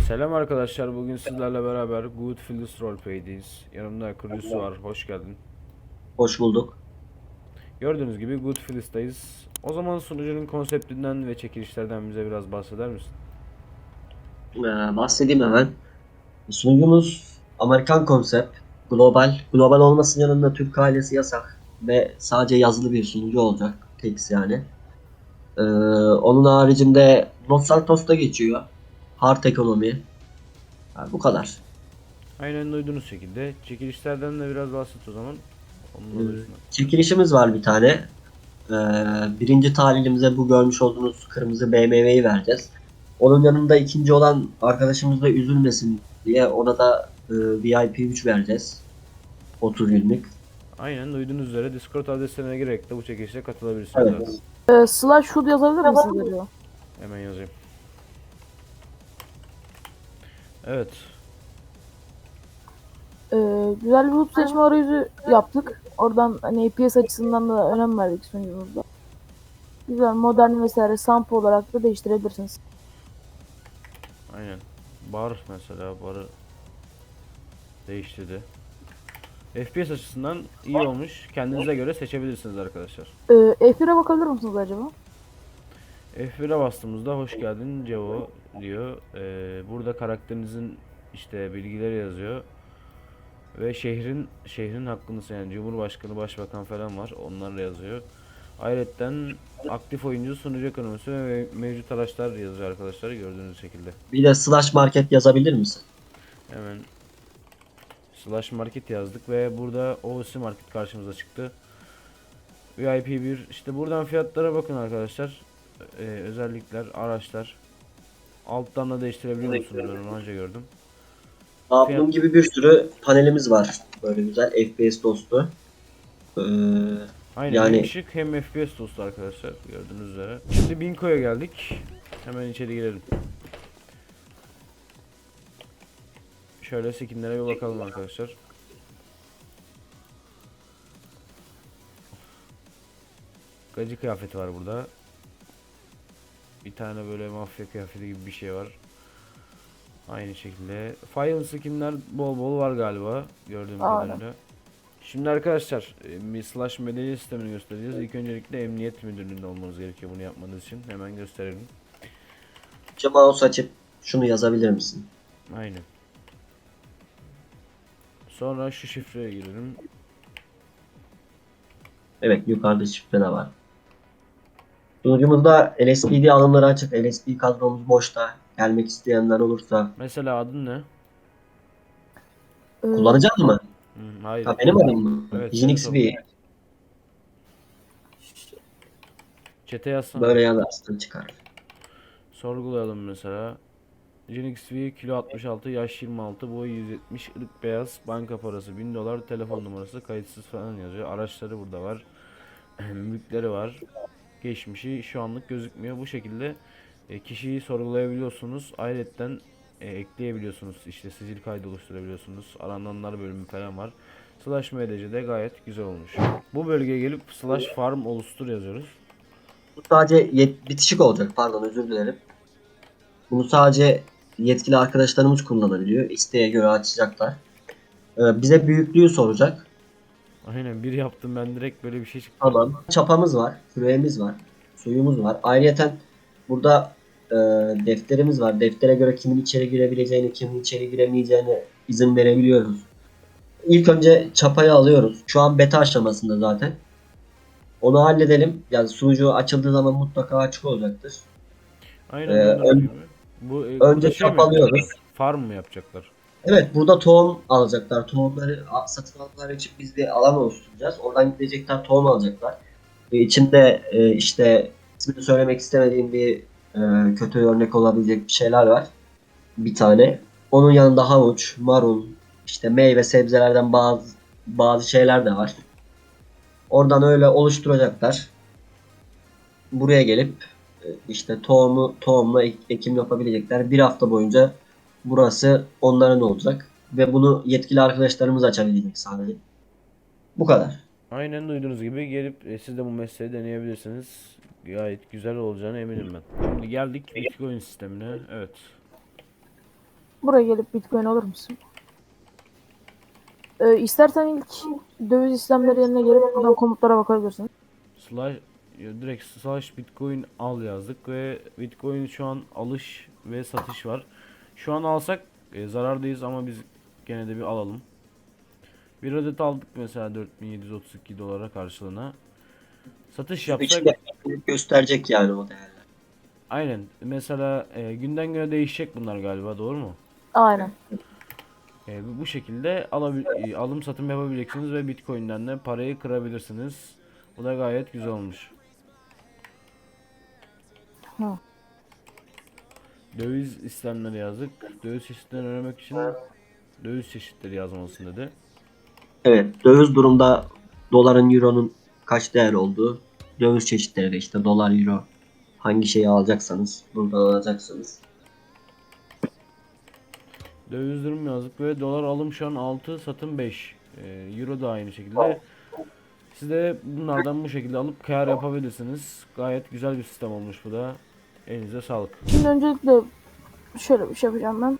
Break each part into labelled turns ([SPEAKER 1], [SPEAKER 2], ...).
[SPEAKER 1] Selam arkadaşlar. Bugün sizlerle beraber Goodfellas Roleplay'deyiz. Yanımda Kurusu var. Hoş geldin.
[SPEAKER 2] Hoş bulduk.
[SPEAKER 1] Gördüğünüz gibi Goodfellas'tayız. O zaman sunucunun konseptinden ve çekilişlerden bize biraz bahseder misin?
[SPEAKER 2] Bahsedeyim hemen. Sunucumuz Amerikan konsept, global. Global olmasının yanında Türk ailesi yasak ve sadece yazılı bir sunucu olacak. Tex yani. Onun haricinde Los Santos'ta geçiyor. Hard ekonomi. Bu kadar.
[SPEAKER 1] Aynen duyduğunuz şekilde. Çekilişlerden de biraz bahset o zaman.
[SPEAKER 2] Ee,
[SPEAKER 1] Onun adı üstüne.
[SPEAKER 2] Çekilişimiz var bir tane. Ee, Birinci talihimize bu görmüş olduğunuz kırmızı BMW'yi vereceğiz. Onun yanında ikinci olan arkadaşımız da üzülmesin diye ona da VIP 3 vereceğiz. 30 günlük.
[SPEAKER 1] Aynen duyduğunuz üzere Discord adreslerine girerek de bu çekilişe katılabilirsiniz
[SPEAKER 2] Evet.
[SPEAKER 1] zaten.
[SPEAKER 3] Slash shoot yazabilir misiniz acaba?
[SPEAKER 1] Hemen yazayım. Evet.
[SPEAKER 3] Güzel bir loot seçme arayüzü yaptık. Oradan hani APS açısından da önem verdik sunucumuzda. Güzel, modern vesaire sample olarak da değiştirebilirsiniz.
[SPEAKER 1] Aynen. Bar mesela. Barı değiştirdi. FPS açısından iyi olmuş. Kendinize göre seçebilirsiniz arkadaşlar.
[SPEAKER 3] F1'e bakabilir misiniz acaba?
[SPEAKER 1] F1'e bastığımızda hoş geldin Cevo diyor. Burada karakterinizin işte bilgileri yazıyor. Ve şehrin hakkınız yani Cumhurbaşkanı, Başbakan falan var. Onlar da yazıyor. Ayrıca aktif oyuncu, sunucu ekonomisi ve mevcut araçlar yazıyor arkadaşlar gördüğünüz şekilde.
[SPEAKER 2] Bir de slash market yazabilir misin?
[SPEAKER 1] Hemen slash market yazdık ve burada OC market karşımıza çıktı. VIP 1 işte buradan fiyatlara bakın arkadaşlar. Özellikler, araçlar. Alttan da değiştirebiliyor musunuz? Ben onu önce gördüm. Fiyat
[SPEAKER 2] Bunun gibi bir sürü panelimiz var. Böyle güzel FPS dostu. Ee,
[SPEAKER 1] aynen hem
[SPEAKER 2] Yani
[SPEAKER 1] şık hem FPS dostu arkadaşlar gördüğünüz üzere. Şimdi Binko'ya geldik. Hemen içeri girelim. Şöyle skinlere bir bakalım arkadaşlar. Gacı kıyafeti var burada. Bir tane böyle mafya kıyafeti gibi bir şey var. Aynı şekilde. File skinler bol bol var galiba gördüğüm
[SPEAKER 3] Aynen.
[SPEAKER 1] kadarıyla. Şimdi arkadaşlar bir slash medalya sistemini göstereceğiz. İlk öncelikle emniyet müdürlüğünde olmanız gerekiyor bunu yapmanız için. Hemen gösterelim.
[SPEAKER 2] mouse açıp şunu yazabilir misin?
[SPEAKER 1] Aynen. Sonra şu şifreye girelim.
[SPEAKER 2] Evet, yukarıda şifre de var. Sunucumuzda LSPD alımları açık. LSP kadromuz boşta. Gelmek isteyenler olursa
[SPEAKER 1] Mesela adın ne?
[SPEAKER 3] Ee,
[SPEAKER 2] kullanacak mı?
[SPEAKER 1] Hayır.
[SPEAKER 2] Ha, benim adım mı?
[SPEAKER 1] Evet seni
[SPEAKER 2] Jinx V.
[SPEAKER 1] sorguluyorum. Çete yazsana.
[SPEAKER 2] Böyle yazarsın çıkar.
[SPEAKER 1] Sorgulayalım mesela. Genix V kilo 66, yaş 26, boy 170, ırk beyaz, banka parası 1000 dolar, telefon numarası kayıtsız falan yazıyor. Araçları burada var. Mülkleri var. Geçmişi şu anlık gözükmüyor. Bu şekilde kişiyi sorgulayabiliyorsunuz. Ayrıca ekleyebiliyorsunuz. İşte sicil kaydı oluşturabiliyorsunuz. Arananlar bölümü falan var. Slash MDC'de gayet güzel olmuş. Bu bölgeye gelip slash farm oluştur yazıyoruz.
[SPEAKER 2] Bu sadece bitişik olacak. Pardon, özür dilerim. Bunu sadece yetkili arkadaşlarımız kullanabiliyor. İsteğe göre açacaklar. Bize büyüklüğü soracak.
[SPEAKER 1] Aynen bir yaptım ben direkt böyle bir şey çıktı.
[SPEAKER 2] Tamam. Çapamız var. Küreğimiz var. Suyumuz var. Ayrıyeten burada e, defterimiz var. Deftere göre kimin içeri girebileceğini, kimin içeri giremeyeceğini izin verebiliyoruz. İlk önce çapayı alıyoruz. Şu an beta aşamasında zaten. Onu halledelim. Yani sunucu açıldığı zaman mutlaka açık olacaktır.
[SPEAKER 1] Aynen
[SPEAKER 2] Ee,
[SPEAKER 1] duyduğunuz gibi.
[SPEAKER 2] ön-
[SPEAKER 1] Burada
[SPEAKER 2] Önce
[SPEAKER 1] şey mi
[SPEAKER 2] çap
[SPEAKER 1] yapacaklar?
[SPEAKER 2] alıyoruz.
[SPEAKER 1] Farm mı yapacaklar?
[SPEAKER 2] Evet, burada tohum alacaklar. Tohumları satın almaları için biz bir alan oluşturacağız. Oradan gidecekler, tohum alacaklar. İçinde işte ismini söylemek istemediğim bir kötü örnek olabilecek bir şeyler var. Bir tane. Onun yanında havuç, marul, işte meyve sebzelerden bazı şeyler de var. Oradan öyle oluşturacaklar. Buraya gelip işte tohumla ekim yapabilecekler. Bir hafta boyunca burası onların olacak. Ve bunu yetkili arkadaşlarımız açabilecek sadece. Bu kadar.
[SPEAKER 1] Aynen duyduğunuz gibi gelip siz de bu mesleği deneyebilirsiniz. Gayet güzel olacağına eminim ben. Şimdi geldik Bitcoin sistemine. Evet.
[SPEAKER 3] Buraya gelip Bitcoin alır mısın? İstersen ilk döviz işlemleri yerine gelip buradan komutlara bakabilirsin.
[SPEAKER 1] Slash direkt slash Bitcoin al yazdık ve Bitcoin şu an alış ve satış var. Şu an alsak zarardayız ama biz gene de bir alalım. Bir adet aldık mesela 4732 dolara karşılığına. Satış yapsak
[SPEAKER 2] İçinde gösterecek yani o değerler.
[SPEAKER 1] aynen mesela günden güne değişecek bunlar galiba, doğru mu?
[SPEAKER 3] Aynen.
[SPEAKER 1] Bu şekilde alım satım yapabileceksiniz ve Bitcoin'den de parayı kırabilirsiniz. Bu da gayet güzel olmuş.
[SPEAKER 3] Hı.
[SPEAKER 1] Döviz işlemleri yazdık. Döviz çeşitlerini öğrenmek için döviz çeşitleri yazmalısın dedi.
[SPEAKER 2] Evet, döviz durumda doların, euronun kaç değer olduğu, döviz çeşitleri de işte dolar, euro, hangi şeyi alacaksanız buradan alacaksınız.
[SPEAKER 1] Döviz durum yazdık ve dolar alım şu an 6, satım 5. Euro da aynı şekilde. Siz de bunlardan bu şekilde alıp kâr yapabilirsiniz. Gayet güzel bir sistem olmuş bu da. Elinize sağlık.
[SPEAKER 3] Şimdi öncelikle şöyle bir şey yapacağım ben.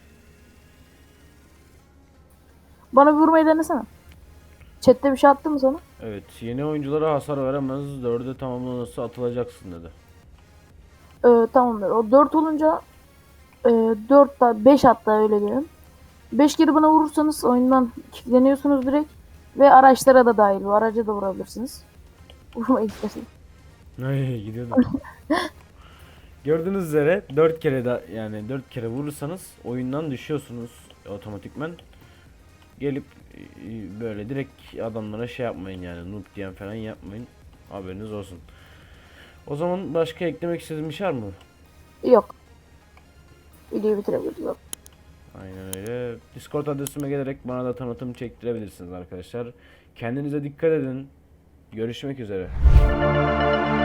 [SPEAKER 3] Bana bir vurmayı denesene. Chat'te bir şey attı mı sana?
[SPEAKER 1] Evet, yeni oyunculara hasar veremez. 4'e tamamlanırsa atılacaksın dedi.
[SPEAKER 3] Tamamdır. O 4 olunca 4 da 5 hatta öyle diyelim. 5 kere bana vurursanız oyundan kilitleniyorsunuz direkt. Ve araçlara da dahil. Bu araca da vurabilirsiniz. Vurmayı isterseniz.
[SPEAKER 1] Ay gidiyordum. Gördüğünüz üzere 4 kere yani 4 kere vurursanız oyundan düşüyorsunuz otomatikmen. Gelip böyle direkt adamlara şey yapmayın yani, noob diyen falan yapmayın. Haberiniz olsun. O zaman başka eklemek istediğim bir şey var mı?
[SPEAKER 3] Yok. Videoyu bitirebiliriz. Yok.
[SPEAKER 1] Aynen öyle. Discord adresime gelerek bana da tanıtım çektirebilirsiniz arkadaşlar. Kendinize dikkat edin. Görüşmek üzere.